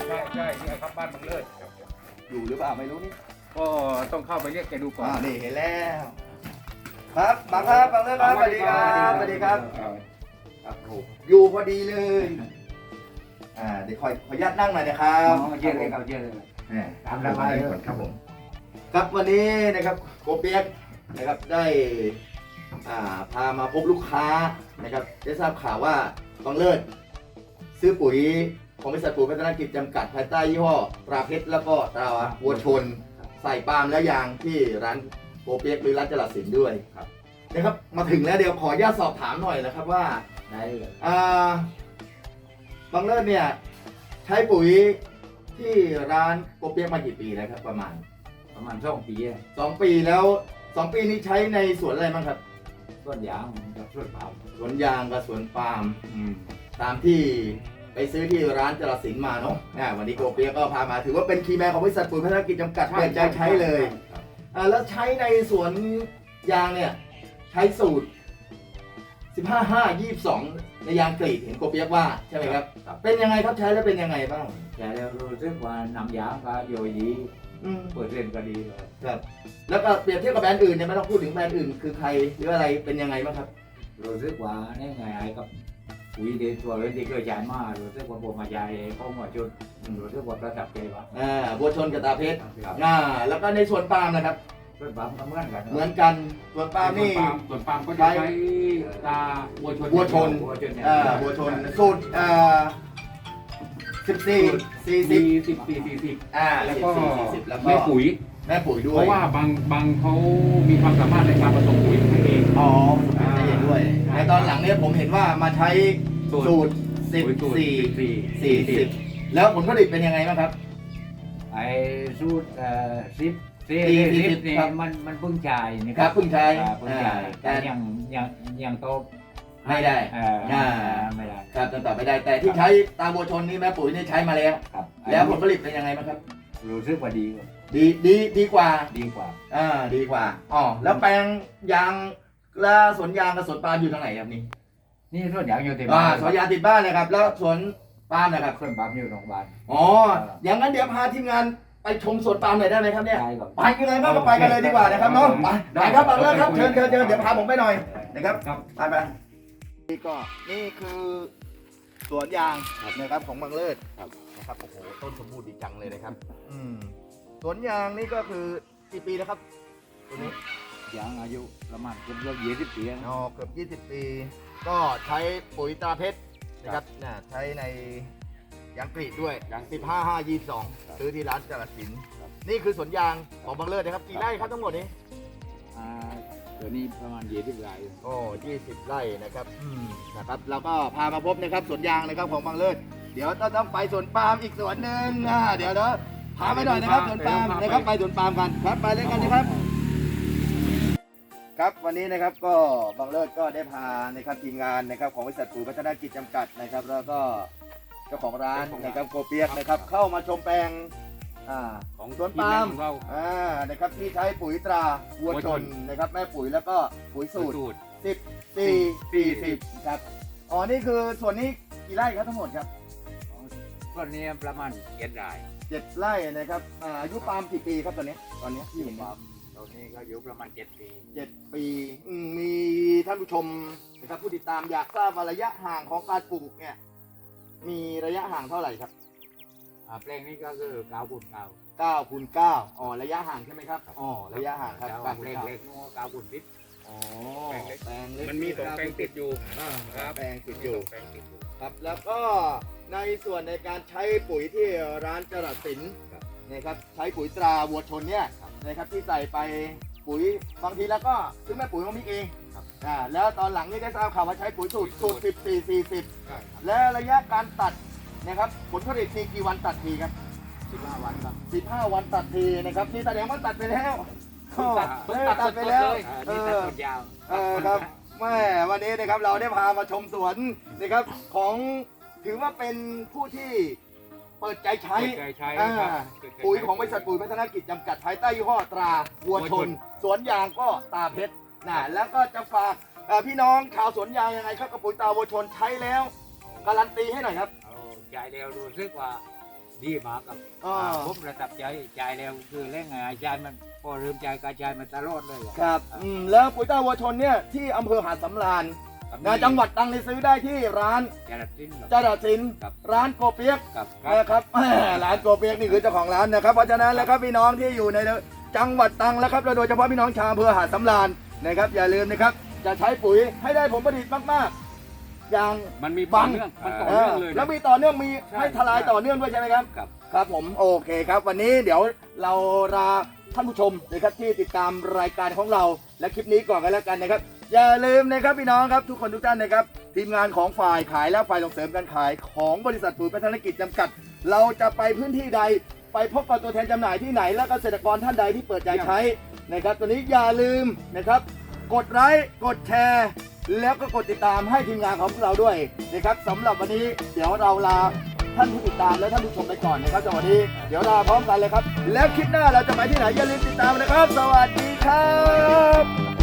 ใช่นี่ครับบ้านบางเลิศอยู่หรือเปล่าไม่รู้นี่ก็ต้องเข้าไปเรียกแกดูก่อนนี่เห็นแล้วครับบังครับบังเลยครับสวัสดีครับสวัสดีครับครับผมอยู่พอดีเลยเดี๋ยวขออนุญาตนั่งหน่อยนะครับเยอะเลยครับเยอะเลยตามระบายก่อนครับผมครับวันนี้นะครับโกเปียกนะครับได้พามาพบลูกค้านะครับได้ทราบข่าวว่าบังเลิศซื้อปุ๋ยของบริษัทปุ๋ยพัฒนากิจจำกัดภายใต้ยี่ห้อตราเพชรแล้วก็ตราวัวชนใส่ปาล์มและยางที่ร้านโกเปียกหรือร้านจรัสสินด้วยนะครับมาถึงแล้วเดี๋ยวขออนุญาตสอบถามหน่อยนะครับว่าบังเลิศเนี่ยใช้ปุ๋ยที่ร้านโกเปียกมากี่ปีแล้วครับประมาณ 2 ปี 2 ปีแล้ว2 ปีนี้ใช้ในสวนอะไรบ้างครับสวนยางกับสวนปาล์มสวนยางกับสวนปาล์มตามที่ไปซื้อที่ร้านจรัสสินมาเนาะวันนี้โกเปียกก็พามาถือว่าเป็นคีย์แมนของบริษัทปุ๋ยพัฒนากิจจำกัดเปิดใจใช้เลยแล้วใช้ในสวนยางเนี่ยใช้สูตร 15-5-22 ในยางกรีดเห็นโกเปียกว่าใช่ไหมครับเป็นยังไงครับใช้แล้วเป็นยังไงบ้างใช้แล้วรู้สึกว่าน้ำยางก็โยดีเปิดเรียนก็ดีครับแล้วก็เปรียบเทียบกับแบรนด์อื่นเนี่ยไม่ต้องพูดถึงแบรนด์อื่นคือใครหรืออะไรเป็นยังไงบ้างครับรู้สึกว่านี่ไงไอ้กับปุ๋ยเด็ดตัวเล่นที่เคยใช้มารู้สึกว่าผมมาใช้ข้อหัวจุดรู้สึกว่าประทับใจว่าบัวชนกับตาเพชรแล้วก็ในสวนปาล์มนะครับสวนปาล์มก็เหมือนกันสวนปาล์มนี่สวนปาล์มก็ใช้ตาบัวชนบัวชนสูตร14-40 แล้วก็แม่ปุ๋ยด้วยเพราะว่าบางเขามีความสามารถในการผสมปุ๋ยให้เองได้เองด้วยในตอนหลังเนี่ยผมเห็นว่ามาใช้สูตร14-40แล้วผลผลิตเป็นยังไงบ้างครับไอ้สูตร10นี่มันเพิ่งจ่ายนี่ครับเพิ่งใช้แต่ยังโตไม่ได้ครับต่อไม่ได้แต่ที่ใช้ตาบัวชนนี่แม่ปุ๋ยนี่ใช้มาแล้วแล้วผลผลิตเป็นยังไงบ้างครับรู้สึกว่าดีกว่าดีกว่าแล้วแปลงยางและสวนยางกับสวนปาล์มอยู่ทางไหนครับนี่สวนยางอยู่ติดบ้านสวนยางติดบ้านนะครับแล้วสวนปาล์มนะครับสวนปาล์มอยู่โรงพยาบาลอย่างนั้นเดี๋ยวพาทีมงานไปชมสวนปาล์มหน่อยได้ไหมครับเนี่ยไปกันเลยบ้างก็ไปกันเลยดีกว่านะครับน้องไปครับบังเลิศครับเชิญเดี๋ยวพาผมไปหน่อยนะครับไปนี่คือสวนยางนะครับของบังเลิศนะครับโอ้โหต้นสมบูรณ์ดีจังเลยนะครับสวนยางนี่ก็คือกี่ปีแล้วครับตัวนี้ยางอายุประมาณเกือบ20 ปีเกือบ20 ปีก็ใช้ปุ๋ยตราเพชรนะครับใช้ในยางกรีดด้วยยาง15-5-22ซื้อที่ร้านจรัสสินนี่คือสวนยางของบังเลิศนะครับกี่ไร่ครับทั้งหมดนี้ตัวนี้ประมาณ20 ไร่ 20 ไร่นะครับเราก็พามาพบนะครับสวนยางนะครับของบังเลิศเดี๋ยวต้องไปสวนปาล์มอีกสวนหนึ่งเดี๋ยวพาไปหน่อยนะครับสวนปาล์มนะครับไปสวนปาล์มกันครับไปเลยกันนะครับครับวันนี้นะครับก็บังเลิศก็ได้พานะครับทีมงานนะครับของบริษัทปุ๋ยพัฒนากิจจำกัดนะครับแล้วก็เจ้าของร้านนะครับโกเปียกนะครับเข้ามาชมแปลงของสวนปาล์มนะครับที่ใช้ปุ๋ยตราวัวชนนะครับแม่ปุ๋ยแล้วก็ปุ๋ยสูตร14-40ครับนี่คือส่วนนี้กี่ไร่ครับทั้งหมดครับส่วนนี้ประมาณ7 ไร่ 7 ไร่นะครับอายุปาล์มกี่ปีครับตอนนี้ที่เห็นปาล์มตอนนี้ก็อายุประมาณ7 ปีมีท่านผู้ชมนะครับผู้ติดตามอยากทราบว่าระยะห่างของการปลูกเนี่ยมีระยะห่างเท่าไหร่ครับแปลงนี้ก็คือ 9x9ระยะห่างใช่ไหมครับระยะห่างครับแปลงเล็กๆ9x10 แปลงเล็กมันมี2 แปลงติดอยู่แปลงติดอยู่ครับแล้วก็ในส่วนในการใช้ปุ๋ยที่ร้านจรัสสินนะครับใช้ปุ๋ยตราวัวชนเนี่ยนะครับที่ใส่ไปปุ๋ยบางทีแล้วก็ซื้อแม่ปุ๋ยมามิกเองแล้วตอนหลังนี่ได้ทราบข่าวว่าใช้ปุ๋ยสูตร14-40และระยะการตัดนะครับผลผลิตมีกี่วันตัดทีครับ 15 วันครับ 15 วันตัดทีนะครับนี่แสดงว่าตัดไปแล้วตัดไปแล้วนี่ตัดต้นยาวครับแม่วันนี้นะครับเราได้พามาชมสวนนะครับของถือว่าเป็นผู้ที่เปิดใจใช้ปุ๋ยของบริษัทปุ๋ยพัฒนากิจจำกัดภายใต้ยี่ห้อตราวัวชนสวนยางก็ตาเพชรแล้วก็จะฝากพี่น้องชาวสวนยางยังไงครับกับปุ๋ยตราวัวชนใช้แล้วการันตีให้หน่อยครับใจเร็วรู้สึกว่าดีมากครับอ่าผมประทับใจใจแล้วคือเล่นไงอาจารย์มันพอเริ่มใจกระจายมันตลอดเลยอะครับแล้วปุ๋ยตาวัวชนเนี่ยที่อำเภอหาดสำราญครับนะจังหวัดตรังนี่ซื้อได้ที่ร้านจรัสสินครับจาดาสินครับร้านโกเปียกครับนะครับ ร้านโกเปียกนี่คือเจ้าของร้านนะครับเพราะฉะนั้นแล้วครับพี่น้องที่อยู่ในจังหวัดตรังแล้วครับและโดยเฉพาะพี่น้องชาวอำเภอหาดสำราญนะครับอย่าลืมนะครับจะใช้ปุ๋ยให้ได้ผลผลิตมากๆ อย่างมันมีต่อเนื่องมันต่อเนื่องเลยแล้นะวมีต่อเนื่องมีใช่ให้ทลายต่อเนื่องด้วยใช่ไหมครับครับครับผมโอเคครับ วันนี้เดี๋ยวเราลาท่านผู้ชมนะครับที่ติดตามรายการของเราและคลิปนี้ก่อนกันแล้วกันนะครับ อย่าลืมนะครับพี่น้องครับทุกคนทุกท่านนะครับทีมงานของฝ่ายขายและฝ่ายส่งเสริมการขายของบริษัทปุ๋ยพัฒนกิจจำกัด เราจะไปพื้นที่ใดไปพบกับตัวแทนจำหน่ายที่ไหน และเกษตรกรท่านใดที่เปิดใจใช้นะครับตัวนี้อย่าลืมนะครับกดไลค์กดแชร์แล้วก็กดติดตามให้ทีมงานของพวกเราด้วยนะครับสำหรับวันนี้เดี๋ยวเราลา ท่านผู้ติดตามและท่านผู้ชมไปก่อนนะครับสวัสดีเดี๋ยวลาพร้อมกันเลยครับ แล้วคลิปหน้าเราจะไปที่ไหนอย่าลืมติดตามนะครับ สวัสดีครับ